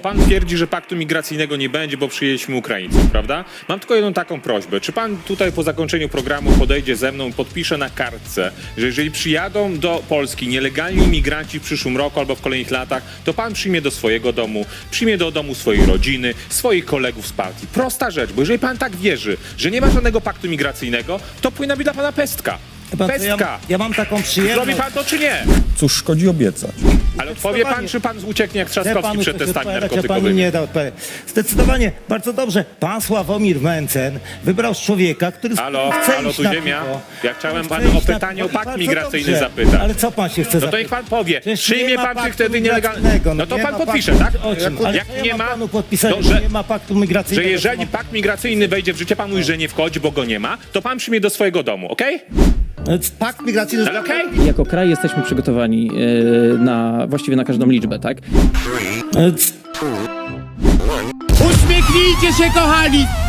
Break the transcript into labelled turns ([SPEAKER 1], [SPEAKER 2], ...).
[SPEAKER 1] pan twierdzi, że paktu migracyjnego nie będzie, bo przyjęliśmy Ukraińców, prawda? Mam tylko jedną taką prośbę. Czy pan tutaj po zakończeniu programu podejdzie ze mną i podpisze na kartce, że jeżeli przyjadą do Polski nielegalni imigranci w przyszłym roku albo w kolejnych latach, to pan przyjmie do swojego domu, przyjmie do domu swojej rodziny, swoich kolegów z partii. Prosta rzecz, bo jeżeli pan tak wierzy, że nie ma żadnego paktu migracyjnego, to powinna być dla pana pestka. Pestka!
[SPEAKER 2] Ja mam taką przyjemność.
[SPEAKER 1] Zrobi pan to czy nie?
[SPEAKER 3] Cóż szkodzi obiecać?
[SPEAKER 1] Ale odpowie pan, czy pan ucieknie jak Trzaskowski przed testami
[SPEAKER 2] Ja
[SPEAKER 1] narkotykowymi?
[SPEAKER 2] panu nie da odpowiedzi. Zdecydowanie, bardzo dobrze. Pan Sławomir Mencen wybrał człowieka, który
[SPEAKER 1] Halo,
[SPEAKER 2] chce
[SPEAKER 1] halo,
[SPEAKER 2] iść
[SPEAKER 1] tu
[SPEAKER 2] na
[SPEAKER 1] ziemia.
[SPEAKER 2] piwo.
[SPEAKER 1] Ja chciałem
[SPEAKER 2] Chce
[SPEAKER 1] panu o
[SPEAKER 2] iść na
[SPEAKER 1] pytanie
[SPEAKER 2] piwo
[SPEAKER 1] o
[SPEAKER 2] i
[SPEAKER 1] pakt
[SPEAKER 2] bardzo
[SPEAKER 1] migracyjny
[SPEAKER 2] dobrze.
[SPEAKER 1] zapytać.
[SPEAKER 2] Ale co pan się chce
[SPEAKER 1] No to
[SPEAKER 2] zapytać?
[SPEAKER 1] niech pan powie.
[SPEAKER 2] Przecież
[SPEAKER 1] Przyjmie
[SPEAKER 2] nie ma
[SPEAKER 1] pan
[SPEAKER 2] paktu
[SPEAKER 1] wtedy nielegalny.
[SPEAKER 2] migracyjnego,
[SPEAKER 1] No to
[SPEAKER 2] nie
[SPEAKER 1] pan
[SPEAKER 2] ma
[SPEAKER 1] podpisze,
[SPEAKER 2] paktu.
[SPEAKER 1] tak?
[SPEAKER 2] O czym? Ale
[SPEAKER 1] Jak
[SPEAKER 2] ja
[SPEAKER 1] nie
[SPEAKER 2] mam
[SPEAKER 1] ma,
[SPEAKER 2] panu podpisać,
[SPEAKER 1] to
[SPEAKER 2] że
[SPEAKER 1] że-
[SPEAKER 2] nie ma paktu
[SPEAKER 1] Że
[SPEAKER 2] migracyjnego.
[SPEAKER 1] jeżeli pakt migracyjny wejdzie w życie, pan mówi, że nie wchodzi, bo go nie ma, to pan przyjmie do swojego domu, okej?
[SPEAKER 2] Pakt migracyjny...
[SPEAKER 1] Ale okej?
[SPEAKER 4] Jako kraj jesteśmy przygotowani właściwie na każdą liczbę, tak?
[SPEAKER 5] Uśmiechnijcie się, kochani!